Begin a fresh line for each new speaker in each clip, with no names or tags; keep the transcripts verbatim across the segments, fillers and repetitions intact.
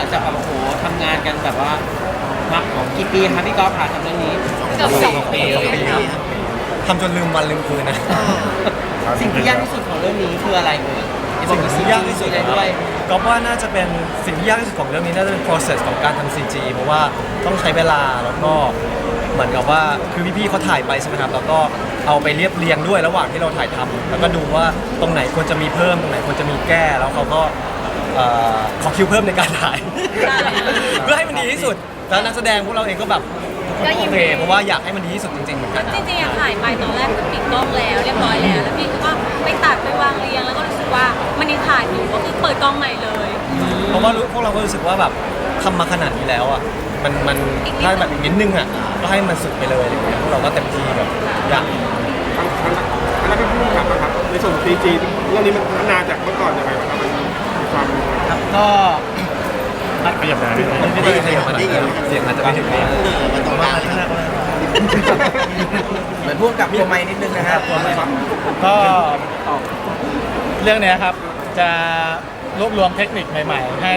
จากแบบโอ้โหทำงานกันแบบว่ามากี่ปีครับพี่ก๊อฟผ่านทำเรื่องนี้
เกือบสองปี
สองปีครับทำจนลืมวันลืมคืนนะ
สิ่งที่ยากที่สุดของเรื่องนี้คืออะไรเอ่ย
สิ่งที่ยากที่สุด
เลยด้วย
ก็ว่าน่าจะเป็นสิ่งที่ยากที่สุดของเรื่องนี้น่าจะเป็น process ของการทำ ซี จี เพราะว่าต้องใช้เวลาแล้วก็เหมือนกับว่าคือพี่ๆเขาถ่ายไปใช่ไหมครับแล้วก็เอาไปเรียบเรียงด้วยระหว่างที่เราถ่ายทำแล้วก็ดูว่าตรงไหนควรจะมีเพิ่มตรงไหนควรจะมีแก้แล้วเขาก็เอ่อขอคิวเพิ่มในการถ่าย เพื่อให้มันดีที่สุดแล้วนักแสดงพวกเราเองก็แบบโอเคเพราะว่าอยากให้มันดีที่สุดจริงๆเหมือนกัน
จริงๆอะถ่ายไปตอนแรกคือปิดกล้องแล้วเรียบร้อยแล้วแล้วพี่ก็ไปตัดไปวางเรียงแล้วก็รู้สึกว่ามันยังขาดอยู่ก็คือเปิดกล้องใหม่เลย
เพราะว่าพวกเราก็รู้สึกว่าแบบทำมาขนาดนี้แล้วอ่ะมันมันถ้าแบบอีกนิดนึงอ่ะก็ให้มันสุดไปเลยอะไรเงี้ยพวกเราก็เต็มที่แบบอยาก
คณะเป็นผู้กำกับนะครับในส่วนซีจีเรื่องนี้มันพัฒนาจากเมื่อก่อนยังไงบ้างครับมันมีความ
ครับก็
ขยับได้ไม่ได้ขยับมาเสียงอาจจะไม่ถึงนี่
มันต้องมาเหมือนพ่วงกับตัวไม้นิดนึงนะครับ
ก็เรื่องเนี้ยครับจะรวบรวมเทคนิคใหม่ๆ ให้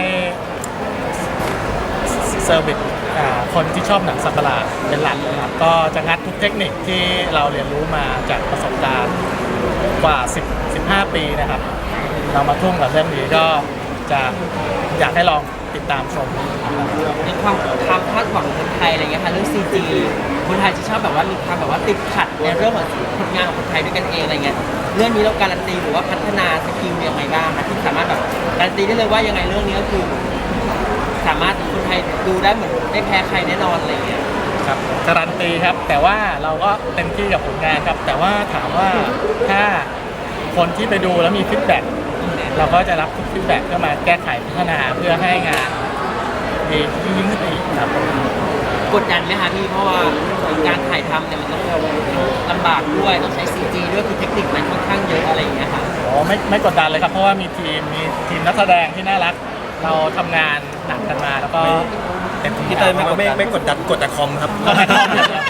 เซอร์วิสอ่าคนที่ชอบหนังสัตว์ประหลาดเป็นหลักเลยครับก็จะงัดทุกเทคนิคที่เราเรียนรู้มาจากประสบการณ์กว่าสิบ สิบห้าปีนะครับ เรามาทุ่มกับเรื่องนี้ก็จะอยากให้ลองติดตามชม
ในความความคาดหวังของคนไทยอะไรเงี้ยค่ะเรื่องซีจีคนไทยจะชอบแบบว่ามีความแบบว่าติดขัดในเรื่องของผลงานของคนไทยด้วยกันเองอะไรเงี้ยเรื่องนี้เราการันตีหรือว่าพัฒนาสกิลยังไงบ้างคะที่สามารถแบบการันตีได้เลยว่ายังไงเรื่องนี้ก็คือ สามารถคนไทยดูได้เหมือนไม่แพ้ใครแน่นอนอะไรเงี้ย
ครับการันตีครับแต่ว่าเราก็เต็มที่กับผลงานครับแต่ว่าถามว่าถ้าคนที่ไปดูแล้วมีฟีดแบ็กเราก็จะรับทุกฟีดแบ็กเพื่อมาแก้ไขพัฒนาเพื่อให้งานดียิ่งขึ้นไปอีกครับ
กดดันไหมคะพี่เพราะว่าการถ่ายทำเนี่ยมันต้องลำบากด้วยต้องใช้ซีจีด้วยคือเทคนิคมันค่อนข้างเยอะอะไรอย่างเงี้ยค่ะ
โอ้ไม่ไม่กดดันเลยครับเพราะว่ามีทีมมีทีมนักแสดงที่น่ารักเราทำงานหนักกันมาแล้วก็เต็มที่
พี่เต้ยไม่ไม่ไม่กดดันกดแต่คอมครับ
ก็ไม่ต้องเลยครับ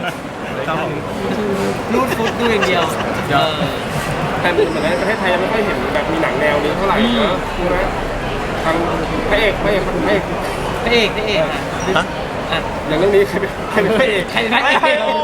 รูดฟุตดูอย่างเดียวเออ
แต่เหมือนในประเทศไทยยังไม่ค่อยเห็นแบบมีหนังแนวนี้เท่าไหร่นะใช่ไหมทางพระเอกพระเอกคนพระเอก
พระเอกพระเอกอ่ะ
ฮะ
อ่ะ
อย่างเรื่องนี้ใครเป็นใครเป็นพระเอก
ใครเป็นพระเอก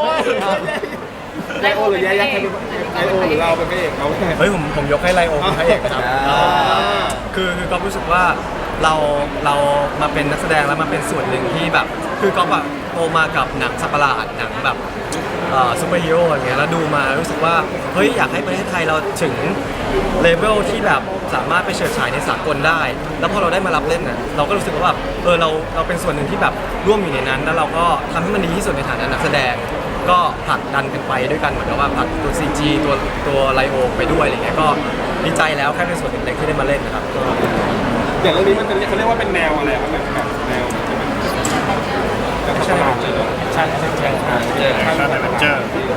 ไลโอหรือยายักษ์ใครเป็นไลโอหรือเราเป็นพระเอกเขา
เฮ้ยผมผมยกให้ไลโอเป็นพระเอกนะครับ
อ่า
คือคือก็รู้สึกว่าเราเรามาเป็นนักแสดงแล้วมาเป็นส่วนหนึ่งที่แบบ คือก็แบบโตมากับหนังสัตว์ประหลาดหนังแบบเอ่อซูเปอร์ฮีโร่อย่างเงี้ยแล้วดูมารู้สึกว่าเฮ้ยอยากให้ประเทศไทยเราถึงเลเวลที่แบบสามารถไปเฉิดฉายในสากลได้ แล้วพอเราได้มารับเล่นน่ะเราก็รู้สึกว่าแบบเออเราเราเป็นส่วนหนึ่งที่แบบร่วมอยู่ในนั้น แล้วเราก็ทำให้มันดีที่สุดในฐานะนักแสดง ก็ผลักดันกันไปด้วยกันเหมือนกับว่าผลักตัว ซี จี ตัวตัวไลโอไปด้วยอะไรเงี้ยก็ดีใจแล้วแค่เป็นส่วนหนึ่งเล็กที่ได้มาเล่นนะครับ
อย่างเรื่องนี้มันจะเขาเรียกว่าเป็นแนวอะไรครับแบบแนวแบบสัตว์ประหลาดเลยเหรอ
ใช่ใช่ใช่ครับ
เจอข้างแบบเจอ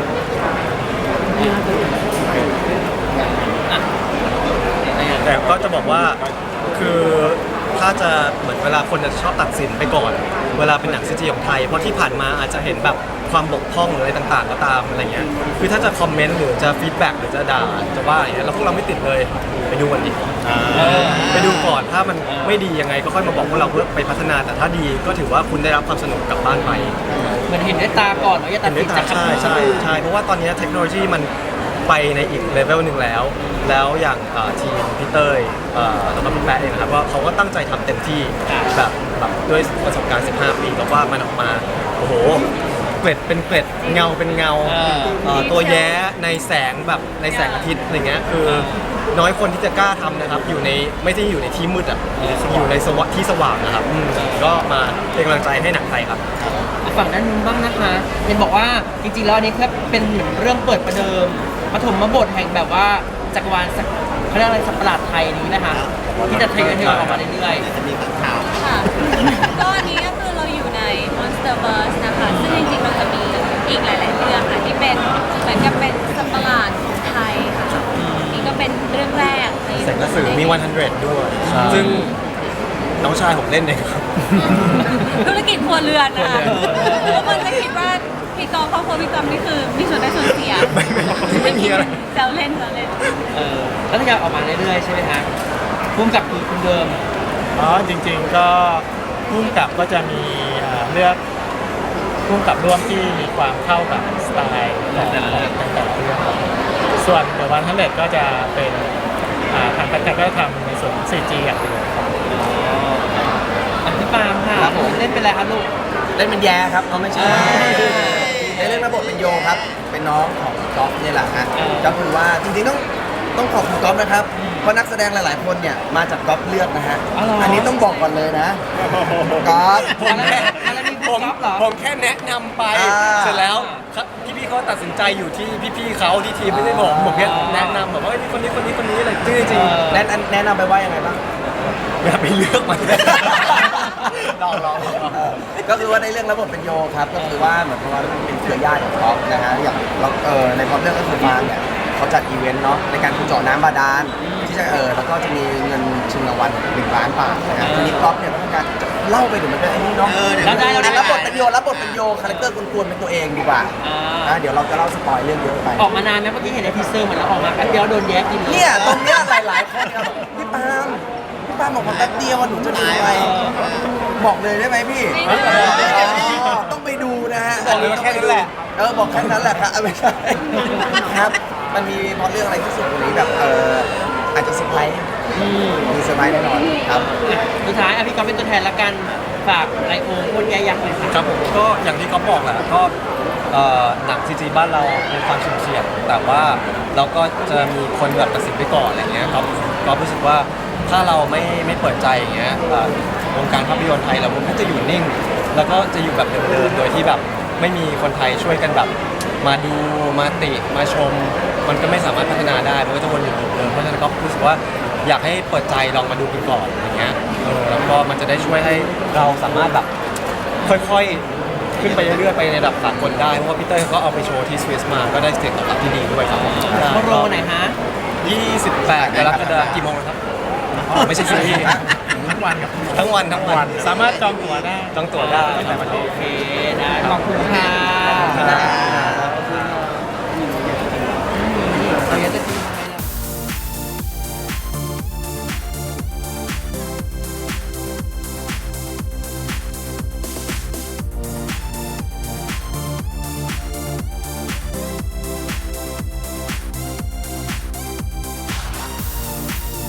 แต่ก็จะบอกว่าคือถ้าจะเหมือนเวลาคนจะชอบตัดสินไปก่อน เวลาเป็นหนังซีจีของไทยเพราะที่ผ่านมาอาจจะเห็นแบบความบกพร่องหรืออะไรต่างๆก็ตามอะไรเงี้ยคือถ้าจะคอมเมนต์หรือจะฟีดแบ็กหรือจะด่าจะว่าอย่างเงี้ยเราพวกเราไม่ติดเลยไปดูกันดิไปดูก่อนถ้ามันไม่ดียังไงก็ค่อยมาบอกพวกเราเพื่อไปพัฒนาแต่ถ้าดีก็ถือว่าคุณได้รับความสนุกกลับบ้านไป
เหมือนเห็นด้วยตาก่อนว่าจะตั
เห็
ด
นด้
สิ
วน ยตา
จาก
ใช่ใช่ใช่เพราะว่าตอนนี้เทคโนโลยีมันไปในอีกเลเวลหนึ่งแล้ว แล้วอย่างเอ่อทีมพี่เต้ยเอ่อแล้วก็พี่แป๊ะเองนะครับว่าเขาก็ตั้งใจทำเต็มที่แบบแบบด้วยประสบการณ์สิบห้าปีแล้วว่ามันออกมาโอ้โหเกล็ดเป็นเกล็ดเงาเป็นเงาเอ่อตัวแย้ในแสงแบบในแสงอาทิตย์อะไรเงี้ยคือน้อยคนที่จะกล้าทำนะครับอยู่ในไม่ได้อยู่ในที่มืดอ่ะอยู่ในสวที่สว่างนะครับอืมก็มาเป็นกำลังใจให้หนังไทยครับ
ฝั่งด้านนู้นบ้างนะคะเห็นบอกว่าจริงๆแล้วอันนี้แค่เป็นเหมือนเรื่องเปิดประเดิมปฐมบทแห่งแบบว่าจักรวาลสักเขาเรียกอะไรสัตว์ประหลาดไทยนี้นะคะที่จะทยอยๆออกมาเรื่อย
จะมีข้างข่าว
ค่ะก็อันนี้ก็คือเราอยู่ใน Monsterverse นะคะซึ่งจริงๆเราจะมีอีกหลาย ๆ เรื่องค่ะที่เป็นเหมือนกับเป็นสัตว์ประหลาดของไทยค่ะนี่ก็เป็นเรื่องแรกใน
แสงกระสือมีหนึ่งร้อยด้วย ซึ่งน้องชายผมเล่นเองครับ
ธุรกิจครัวเรือนนะคะทุกคนจะคิดว่าพี่กอล์ฟครอบครัวพี่กอล์ฟนี่คือมีส่วนได้ส่วนเสีย
ไม่ไม่ไม่มีอะไร
แซวเล่นแซวเล่น
ๆเออแล้วทยอยออกมาเรื่อยๆใช่ไหมคะพุ่มกับคือคุณเดิม
อ๋อจริงๆก็พุ่มกับก็จะมีเอ่อเลือกพุ่มกับร่วมที่มีความเข้ากับสไตล์ของแต่ละเรื่องแต่ละเรื่องครับส่วนเดอะวันทันเลดก็จะเป็นอ่าทางการก็จะทำในส่วน ซี จี อย่างเดียวครับ
อ่ะพี่ปาล์มค่ะ
ครับผม
เล่นเป็นอะไรครับลูก
เล่นเป็นแย่ครับเอาไม่ใช่ในเรื่องระบบเป็นโยครับ เป็นน้องของก๊อฟนี่แหละฮะ
เออ
ก็คือว่าจริงๆต้องต้องขอบคุณก๊อฟนะครับ เพราะนักแสดงหลายๆคนเนี่ยมาจากก๊อฟเลือกนะฮะ
อ๋อเหรออั
อันนี้ต้องบอกก่อนเลยนะก๊อฟ
ผมแค่อะไรมี
ผม
ก๊อฟเหรอ
ผมแค่แนะนำไป
อ่า
เสร็จแล้วพี่พี่ๆเขาตัดสินใจอยู่ที่พี่ๆเขาที่ทีมไม่ได้บอกผมแค่แนะนำแบบว่าเฮ้ยคนนี้คนนี้คนนี้อะไรจริงจริง
เออ
แนะนำแนะนำไปว่ายังไงบ้าง
ๆอย่าไปเลือกมันลองลองลอง
เออก็คือว่าในเรื่องระบบเป็นโยครับก็คือว่าเหมือนกับว่ามันเป็นเครือญาติของก๊อฟนะฮะอย่างเราเออในพล็อตเรื่องก็คือฟางเนี่ยเขาจัดอีเวนต์เนาะในการขุดเจาะน้ำบาดาลที่จะเออแล้วก็จะมีเงินชิงรางวัลหนึ่งล้านบาทนะฮะทีนี้ก๊อฟเนี่ยก็ต้องการจะเล่าไปถึงมันเป็นไอ้นี่เนาะ
แล้วได้แล้วได้
รับบทเป็นโยรับบทเป็นโยคาแรคเตอร์กวนๆเป็นตัวเองดีกว่า
อ่า
อ่ะเดี๋ยวเราจะเล่าสปอยเรื่องเยอะไป
ออกมานานไหมเมื่อกี้เห็นในทีเซอร์เหมือนเราออกมาแป๊บเดียวโดนแย้กินล
เนี่ยตรงเนี้ยหลายๆคนครับบอกพี่ปาล์มพี่ปาล์มบอกว่าแป๊บเดียวอะหนูจะดูอะไรบอกเลยได้ไหมพี่
ไม่ได้
อ๋อต้องไปดูนะฮะ
บอกเลยว่าแค่นั้นแหละ
เออบอกแค่นั้นแหละครับไม่ใช่ครับ มันมีพอเรื่องอะไรที่สุดกว่านี้แบบเอออาจจะเซอร์ไพรส์
อืม
มีเซอร์ไพรส์แน่นอนครับ
อ่ะสุดท้ายอ่ะพี่ก๊อฟเป็นตัวแทนละกันฝากไลโอคนแย่ยักษ์เลยค่ะ
ครับผมก็อย่างที่เขาบอกแหละก็เอ่อหนังซีจีบ้านเรามีความสุ่มเสี่ยงแต่ว่าเราก็จะมีคนแบบตัดสินไปก่อนอะไรเงี้ยครับก็รู้สึกว่าถ้าเราไม่ไม่เปิดใจอย่างเงี้ยเอ่อวงการภาพยนตร์ไทยเราก็จะอยู่นิ่ง แล้วก็จะอยู่แบบเดิมๆโดยที่แบบไม่มีคนไทยช่วยกันแบบมาดูมาติมาชม มันก็ไม่สามารถพัฒนาได้มันก็จะวนอยู่เดิมๆเพราะฉะนั้นก็รู้สึกว่าอยากให้เปิดใจลองมาดูกันก่อนอย่างเงี้ยเออแล้วก็มันจะได้ช่วยให้เราสามารถแบบค่อยๆ ขึ้นไปเรื่อยๆไปในระดับสากลได้ เพราะว่าพี่เต้ยเขาก็เอาไปโชว์ที่สวิสมา ก็ได้เสียงตอบรับที่ดีด้วยครับผม
โปรโรไหนฮะ
ยี่สิบแปดกรกฎาคมกี่โมงนะครับอ๋อไม่ใช่ซีรีส์
ทั้งวันครับ
ทั้งวันทั้งวัน
สามารถจองตั๋วได้
จองตั๋วได้
ตั้งแต่วันนี้
โอเคได้ขอบคุณค่ะ